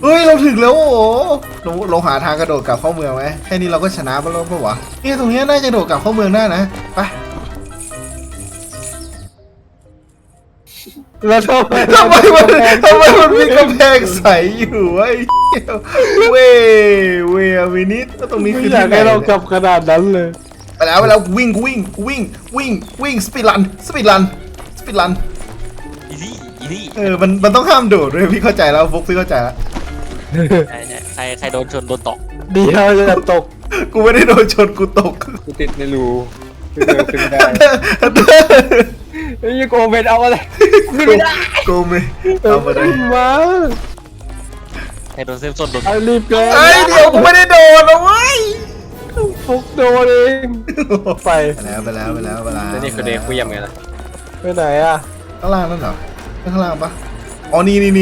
ฮ้ยเราถึงแล้วโอ้โหเราหาทางกระโดดกลับเข้าเมืองไหมแค่นี้เราก็ชนะไปแล้วปะวะเนี่ยตรงนี้น่าจะโดดกลับเข้าเมืองได้นะไปแล้วทำไมทำไมมันมีกำแพงใสอยู่ไอ้เว้ยวินิดตรงนี้ไม่คืออยาที่กไหนให้เรากลับขนาดนั้นเลยไปแล้ววิ่งสปีดรันอีนี่มันต้องห้ามโดดด้วยพี่เข้าใจแล้วฟุกพี่เข้าใจแล้วใครโดนชนโดนตกเดียวจะตกกูไม่ได้โดนชนกูตกกูติดในรูขึ้นไม่ได้ไอ้โกเบนเอาอะไรขึ้นไม่ได้กูไม่เอามาได้ขึ้นมาใครโดนเซฟโซนโดนไอ้รีบเกินเอ้ยเดี๋ยวกูไม่ได้โดนนะเว้ยฟุกโดนเองไปไปแล้วแล้วนี่คือเด็กกูยังไงล่ะไปไหนอ่ะข้างล่างนั่นเหรอข้างล่างปะอ๋อนี่นี่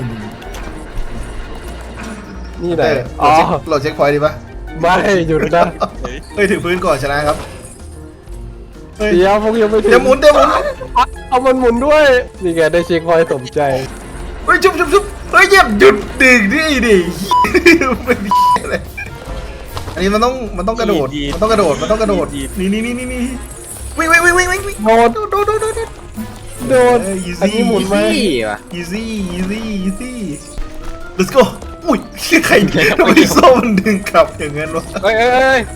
ไหนอ๋อโหลดเช็คพอยต์ดีปะไม่หยุดนะเฮ้ยถึงพื้นก่อนชนะครับเฮ้ยเดี๋ยวฟุกยังไม่ถึงเดี๋ยวหมุนเอามันหมุนด้วยนี่ไงได้เช็คพอยต์สมใจเฮ้ยชุบเฮ้ยเหยียบหยุดดึงดิเป็นอะไรอันนี้มันต้องกระโดดนี่วิ่งโดนอันนี้หมุนไหมพี่ว่ะ easy let's go อุ้ยใครทำไมโซ่มันดึงกลับอย่างนั้นวะเฮ้ยเฮ้ย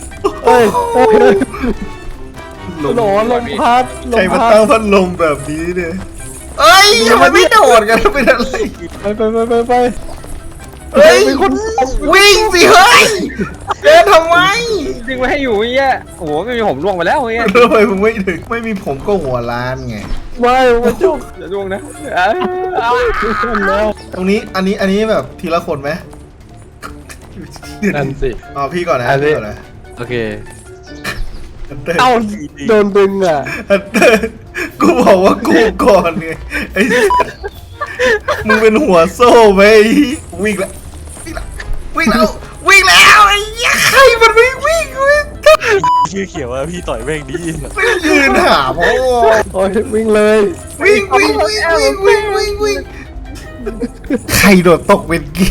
ลหนอนลมพัดใครมาตั้งพัดลมแบบนี้เนี่ยเอ้ยทำไมไม่โดดกันเป็นอะไรไปเฮ้ยมีคนวิ่งสิเฮ้ยเดินทำไมดึงไว้ให้อยู่ไอ้เงี้ยโอ้โหไม่มีผมล่วงไปแล้วไอ้เงี้ยทำไมมึงไม่ถึงไม่มีผมก็หัวล้านไงไม่มาจุกอย่าล่วงนะแล้วตรงนี้อันนี้แบบทีละคนไหมนั่นสิอ๋อพี่ก่อนนะอันนี้พี่ก่อนนะโอเคเอ้าเอ้าโดนดึงอ่ะกูบอกว่ากูก่อนไงไอ้มึงเป็นหัวโซ่ไปวิ่งแล้วไอ้ยักษ์ใครมันไม่วิ่งชื่อเขียวว่าพี่ต่อยแม่งดีไม่ยืนหาพ่อโอ้ยวิ่งเลยวิ่งใครโดดตกเป็นกี้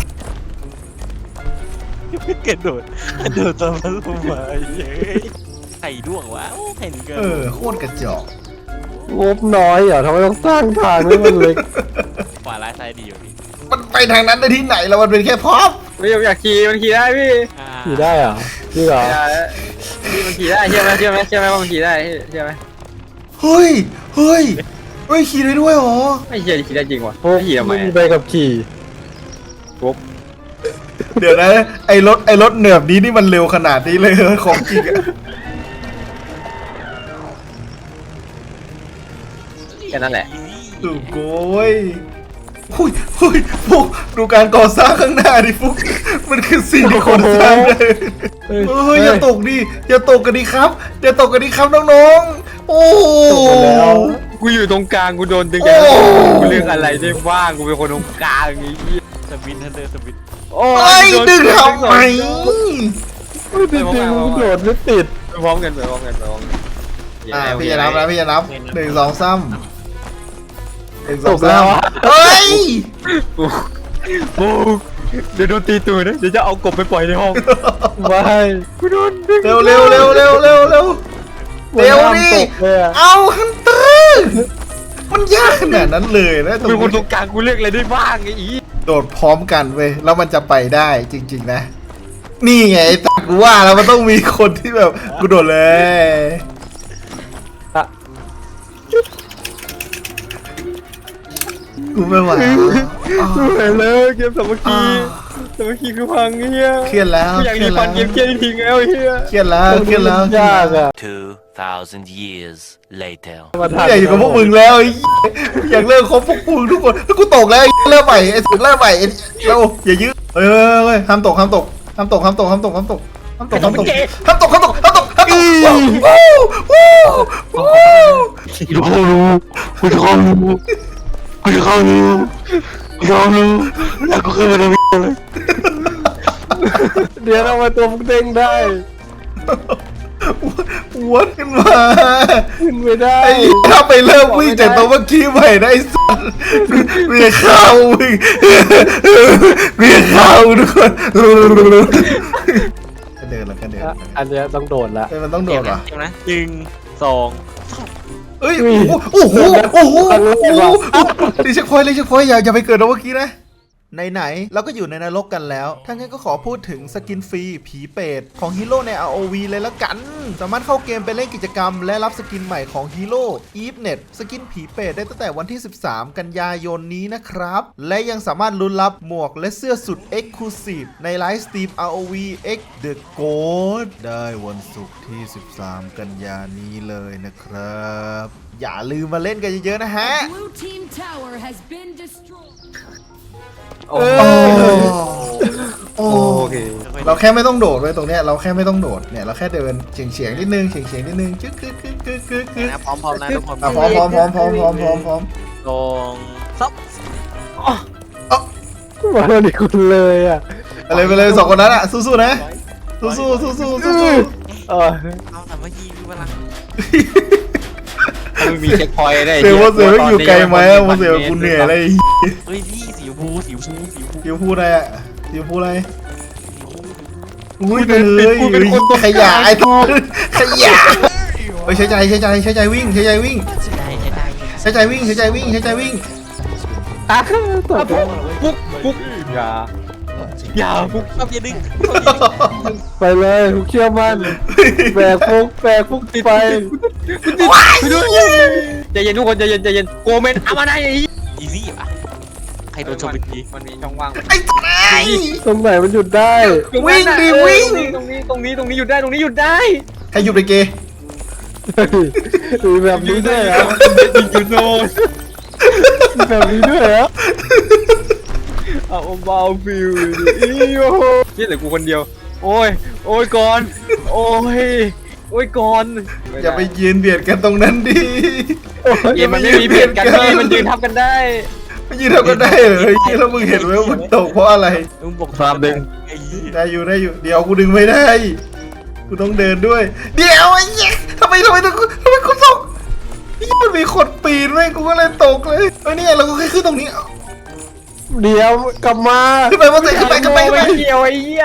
กระโดดตามมันลงมาเย้ยไข่ด้วงวะไข่หนึ่งเกินโคตรกระจอกงบน้อยเหรอทำไมต้องสร้างทางให้มันเล็กขวาร้ายซ้ายดีอยู่พี่มันไปทางนั้นได้ที่ไหนแล้วมันเป็นแค่พร็อพไม่อยากขี่มันขี่ได้พี่ขี่ได้เหรอจริงเหรอพี่มันขี่ได้เชื่อไหมว่ามันขี่ได้เชื่อไหมเฮ้ยขี่ได้ด้วยเหรอไม่เชื่อขี่ได้จริงว่ะพวกขี่ทำไมไม่มีใบขับขี่เดี๋ยวนะไอ้รถเหนือบนี้นี่มันเร็วขนาดนี้เลยเหรอของจริงอะแค่นั้นแหละสุโกยหุยพวกดูการก่อสร้างข้างหน้าดิฟุกมันคือสิ่งที่คนสร้างได้เฮ้ยอย่าตกกันดิครับน้องๆโอ้จบไปแล้วกูอยู่ตรงกลางกูโดนดึงจากกูเรื่องอะไรได้บ้างกูเป็นคนตรงกลางอย่างงี้สวินทันเดอร์สวินโอ้ไอ้ดึงทำไมไม่จริงๆมันโดดไม่ติดไปพร้อมกันพี่จะนับนะพี่จะนับ1 2 3 จบแล้วอะเฮ้ยกูเดี๋ยวโดนตีตูดนะเดี๋ยวจะเอากบไปปล่อยในห้องไม่กูโดนดึงเร็วดิมันเร็วห้ามดิตกเลยอะเอาฮันเตอร์มันยากขนาดนั้นเลยนะกูเป็นคนตรงกลางกูเลือกอะไรได้บ้างไอ้อีโดดพร้อมกันเว้ยแล้วมันจะไปได้จริงๆนะ นี่ไงไอ้ตักกูว่าแล้วมันต้องมีคนที่แบบกูโดดเลยอะกูไม่ไหวกูเห็นแล้วเกมสามัคคีคือพังเฮียเครียดแล้วกูอยากรีฟันเกมเครียดทิ้งแล้วเฮียเครียดแล้วยากอ่ะ 2,000 years later. มากูอยากอยู่กับพวกมึงแล้วไอ้อยากเลิกคบพวกมึงทุกคนแล้วกูตกแล้วไอ้เริ่มใหม่ไอ้เริ่มใหม่เราอย่ายื้อเฮ้ยห้ามตกเดี๋ยวเรามาตัวฟุกเด้งได้ววนขึ้นมาขึ้นไม่ได้ไอ้ถ้าไปเริ่มวิ่งจากตัวเมื่อกี้ใหม่นะไอ้สัสเรียกเข้าวิ่งเรียกเข้าทุกคนก็เดินแล้วก็เดินอันเนี้ยต้องโดดละเฮ้ยมันต้องโดดเหรอเดี๋ยวนะหนึ่งสองเอ้ยโอ้โหโอ้โหรีเช็คพอยต์รีเช็คพอยต์อย่าไปเกิดเอาเมื่อกี้นะไหนๆเราก็อยู่ในนรกกันแล้วถ้างั้นก็ขอพูดถึงสกินฟรีผีเปรตของฮีโร่ใน ROV เลยละกันสามารถเข้าเกมไปเล่นกิจกรรมและรับสกินใหม่ของฮีโร่ EveNet สกินผีเปรตได้ตั้งแต่วันที่ 13 กันยายนนี้นะครับและยังสามารถลุ้นรับหมวกและเสื้อสุด Exclusive ในไลฟ์สตรีม ROV X The Ghost ได้วันศุกร์ที่ 13 กันยานี้เลยนะครับอย่าลืมมาเล่นกันเยอะๆนะฮะ Blue team tower has been destroyed. โอ้โอเค เราแค่ไม่ต้องโดดเลยตรงเนี้ยเราแค่ไม่ต้องโดดเนี่ยเราแค่เดินเฉียงนิดนึงเฉียงนิดนึงจึ๊กนะพร้อมนะทุกคนพร้อมลงซับมาแล้วนี่คุณเลยอ่ะอะไรไปเลยสองคนนั้นอ่ะสู้ๆนะสู้เออเอาแต่ว่ายิงพลังมันมีเช็คพอยต์ได้เสือว่าเสือไม่อยู่ไกลไหมว่าเสือกูเหนื่อยอะไรเฮ้ยพี่สีฟูสีฟูยูพูดอะไรอ่ะยูพูดอะไรอุ้ยไปเลยขยะไอ้ตัวขยะไปใช้ใจวิ่งใช้ใจวิ่งอ่ะตบปุ๊กอย่าปุ๊กซับอย่าดึงไปเลยทุกเชื่อมั่นแบกฟุกติดไปใจเย็นทุกคนใจเย็นโกเมนเอามาได้อีซี่ป่ะใครโดนชมเป็นทีมันมีช่องว่างไอ้ไตรงไหนมันหยุดได้วิ่งดิวิ่งตรงนี้หยุดได้ใครหยุดไปเกมีแบบนี้ด้วยเหรอยูโน่มีแบบนี้ด้วยเหรอเอาเบาฟิวอีโอนี่เหลือกูคนเดียวโอ้ยก่อนโอ้ยก่อนอย่าไปยืนเบียดกันตรงนั้นดิเกมมันไม่มีเบียดกันพี่มันยืนทับกันได้ไม่ยืนเท่ากันได้เหรอแล้วมึงเห็นไหมว่ามันตกเพราะอะไรมึงบอกความดึงไอ้ได้อยู่เดี๋ยวกูดึงไม่ได้กูต้องเดินด้วยเดี๋ยวไอ้เหี้ยทำไมกูตกนี่มันมีคนปีนไหมกูก็เลยตกเลยเนี่ยเราก็แค่ขึ้นตรงนี้เดี๋ยวกลับมาขึ้นไปมาเตะขึ้นไปไม่เกี่ยวไอ้เหี้ย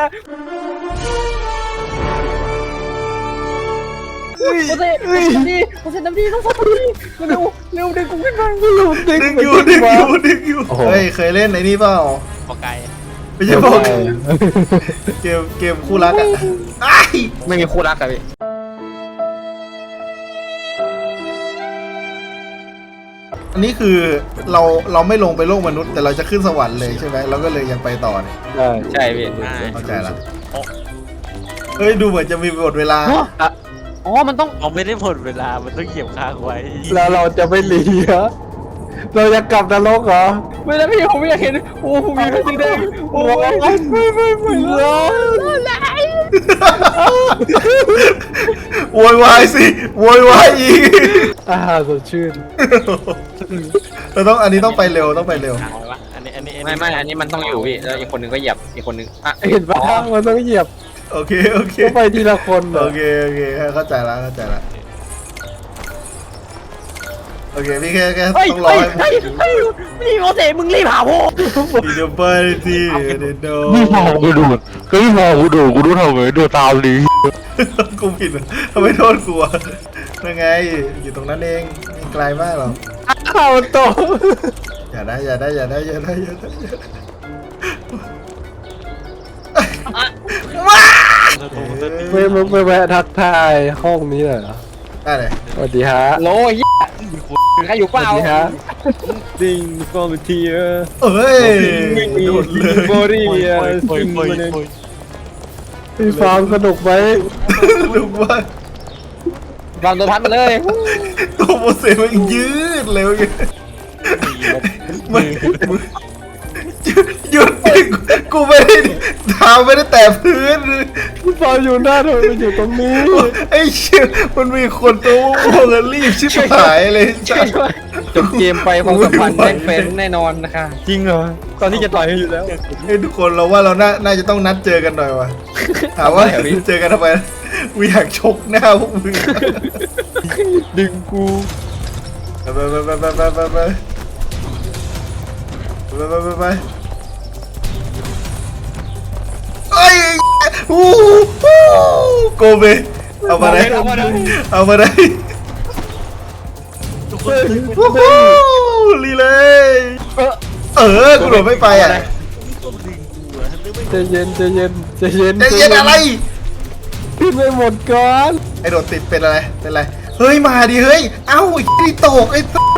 โอ้ยน้ำดีต้องสับดีเร็วดึงกูขึ้นมาดึงอยู่เฮ้ยเคยเล่นไอ้นี่เปล่าปอไก่ไม่ใช่บอกเกมคู่รักอ่ะไม่มีคู่รักอะพี่อันนี้คือเราไม่ลงไปโลกมนุษย์แต่เราจะขึ้นสวรรค์เลยใช่ไหมเราก็เลยยังไปต่อเนี่ยใช่ใช่พี่เข้าใจละเฮ้ยดูเหมือนจะมีบทเวลาอ๋อมันต้องเราไม่ได้ผลเวลามันต้องเหยียบค้างไว้แล้วเราจะไม่หลีเหรอเราจะกลับนรกเหรอไม่ได้พี่ผมไม่อยากเห็นโอ้ผมมีแค่สีแดงโอ้ยไม่เลยโวยวายสิโวยวายอีกสดชื่นอันนี้ต้องไปเร็วค้างไว้ปะอันนี้ไม่อันนี้มันต้องอยู่พี่แล้วอีกคนนึงก็เหยียบอีกคนนึงอ่ะเห็นปะมันต้องเหยียบโอเคต้องไปทีละคนเหรโออเคเข้าใจละโอเคพี่แค่ต้องรอพี่โมเสมึงรีบหาผมพี่จะไปที่เดนโดนี่พอกูดูดก็นี่พอกูดูทำไมดูตามดีกูผิดทำไมโทษกูยังไงอยู่ตรงนั้นเองไม่ไกลมากหรอกข้าวโตอย่าได้ไม่แวะทักทายห้องนี้เหรอได้เลยสวัสดีฮะโลยใครอยู่เปสวัล่าสดีฮะดิงฟอร์มเทียเอ้ยโดดเลยบอดี้พี่ฟาร์มสนุกไหมลูกว่าฟังตัวพัดมาเลยตัวโมเสสมันยืดเร็วไงมันหยุดกูไม่ได้เท้าไม่ได้แตะพื้นพี่ฟาร์มอยู่หน้าทำไมมันอยู่ตรงนี้ไอ้เชี่ยมันมีคนตัวโง่รีบชิบหายเลยจ้ะจบเกมไปความสัมพันธ์แม่งเป็นแน่นอนนะคะจริงเหรอตอนที่จะต่อยกันอยู่แล้วไอ้ทุกคนเราว่าเราน่าจะต้องนัดเจอกันหน่อยว่ะถามว่าเจอกันทำไมกูอยากชกหน้าพวกมึงดึงกูไปเอ้ยอู้โกเบเอามาได้เอามาได้ทุกคนวู้ฮู้ลีเลยกูโดดไม่ไปอ่ะต้องดึงกูอะนึกไม่ใจเย็นใจเย็นใจเย็นใจเย็นอะไรขึ้นไปหมดก่อนไอโดดติดเป็นอะไรเป็นอะไรเฮ้ยมาดิเฮ้ยเอ้าไอ้ที่ตกไอ้สัส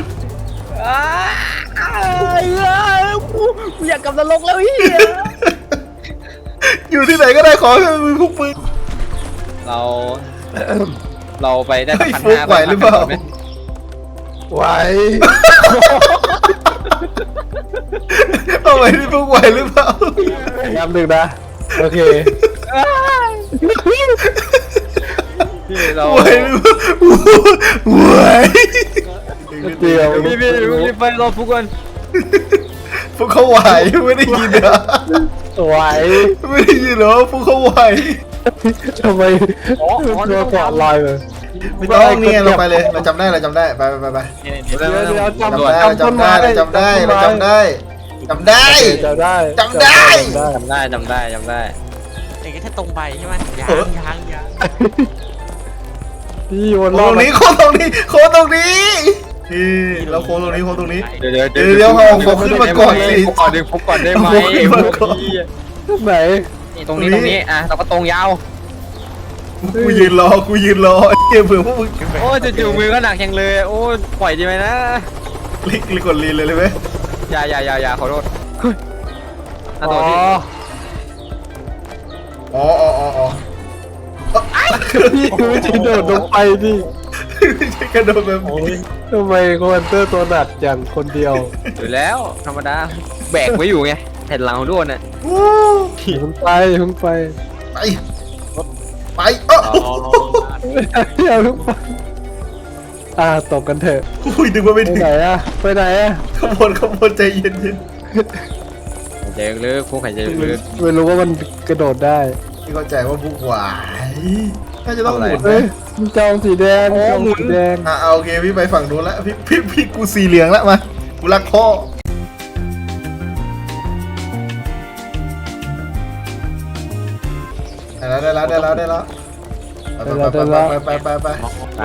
กูอยากกลับนรกแล้วเฮียอยู่ที่ไหนก็ได้ขอให้มึงพวกมึงเราไปได้เฮ้ยพันฟุกห้าไหวหรือเปล่าไหวเอาไว้ที่พวกไหวหรือเปล่าย้ำหนึ่งนะโอเคพี่เราไหวหรือเปล่าไหวเดียวพี่รีบไปรอฟุกกันพวกเขาไหวไม่ได้ยินเหรอไหวไม่ได้ยินเหรอพวกเขาไหวทำไมตัวเกาะลอยเลยไม่ต้องเนี่ยเราไปเลยเราจำได้ไปเดี๋ยวจำเราจำได้จำได้จำได้จำได้จำได้ไอ้แค่ตรงไปใช่ไหมยังพี่วนโค้รอง บตรงนี้โค้งตรงนี้โค้งตรงนี้นี่เราโค้งตรงนี้โค้งตรงนี้เดี๋ยวเอาขึ้นมาก่อนสิฟุกก่อนดึงฟุกก่อนได้ไหมเอาขึ้นมาก่อนไหนนี่ตรงนี้อ่ะเราก็ตรงยาวกูยืนรอเก็บเผื่อพวกมึงโอ้จู่ๆมือก็หนักจังเลยโอ้ปล่อยดีไหมนะลิกดลีนเลยไหมอย่าขอโทษอ๋อตัวที่อ๋อพี่ไม่ใช่โดดลงไปดิไม่ใช่กระโดดแบบนี้ทำไมคอมมานเตอร์ตัวหนักอย่างคนเดียวอยู่แล้วธรรมดาแบกไว้อยู่ไงแผ่นหลังของด้วนน่ะวู้อย่าเพิ่งไปอย่าเพิ่งไปไปอย่าเพิ่งไปตบกันเถอะอุ้ยดึงมาไม่ไปถึงไหนอะไปไหนอะขบวนใจเย็นหายใจลึกฟุกหายใจลึกไม่รู้ว่ามันกระโดดได้พี่เข้าใจว่าพวกหวายน่าจะต้องหมุนเฮ้ยมันจองสีแดงจองสีแดงโอเคพี่ไปฝั่งนู้นแล้วพี่กูสีเหลืองแล้วมากูรักพ่อได้แล้วไปไป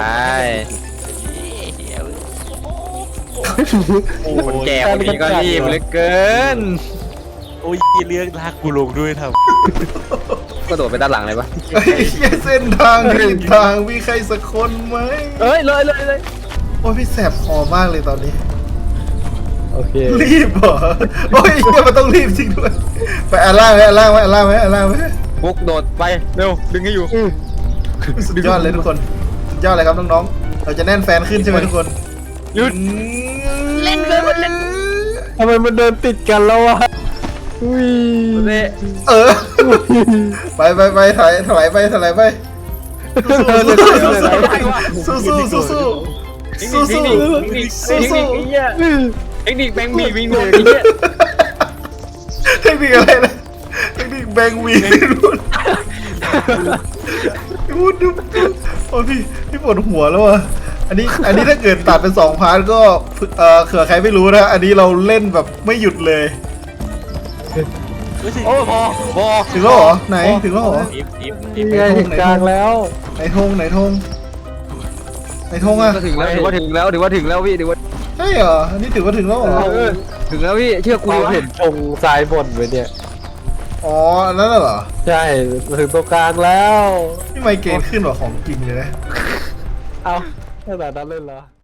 คนแก่คนนี้ก็รีบเหลือเกินโอ้ยเรื่องลากกูลงด้วยทก็โดดไปด้านหลังเลยปะไอ้เส้นทางผิดทางมีใครสักคนไหมเอ้ยเลยโอ้ยพี่แสบคอมากเลยตอนนี้โอเครีบเหรอโอ้ยมันต้องรีบจริงด้วยไปอันล่างไหมฟุกโดดไปเร็วดึงให้อยู่สุดยอดเลยทุกคนสุดยอดเลยครับน้องๆเราจะแน่นแฟนขึ้นใช่ไหมทุกคนหยุดเล่นเลยมันเล่นทำไมมันเดินติดกันแล้ววะอุ้ยไปถลายไปสู้เทคนิคแบงค์บีวิ่งโดดไอ้เหี้ยเทคนิคอะไรนะเทคนิคแบงวีดูโอ้พี่ปวดหัวแล้วอ่ะอันนี้ถ้าเกิดตัดเป็น2 พาร์ทก็เผื่อใครไม่รู้นะอันนี้เราเล่นแบบไม่หยุดเลยำโอ้พอถึงแล้วเหรอไหนถึงแล้วเหรอนี่ไงถึงกลางแล้วไหนธงอ่ะก็ถึงแล้วถือว่าถึงแล้วพี่ถือว่าใช่เหรออันนี้ถือว่าถึงแล้วเหรอถึงแล้วพี่เชื่อกูเราวะเห็นธงซ้ายบนไว้เนี่ยอ๋ออันนั้นเหรอใช่ถึงตรงกลางแล้วนี่ไมเกรนขึ้นกว่าของจริงเลยนะเอาขนาดนั้นเลยเหรอ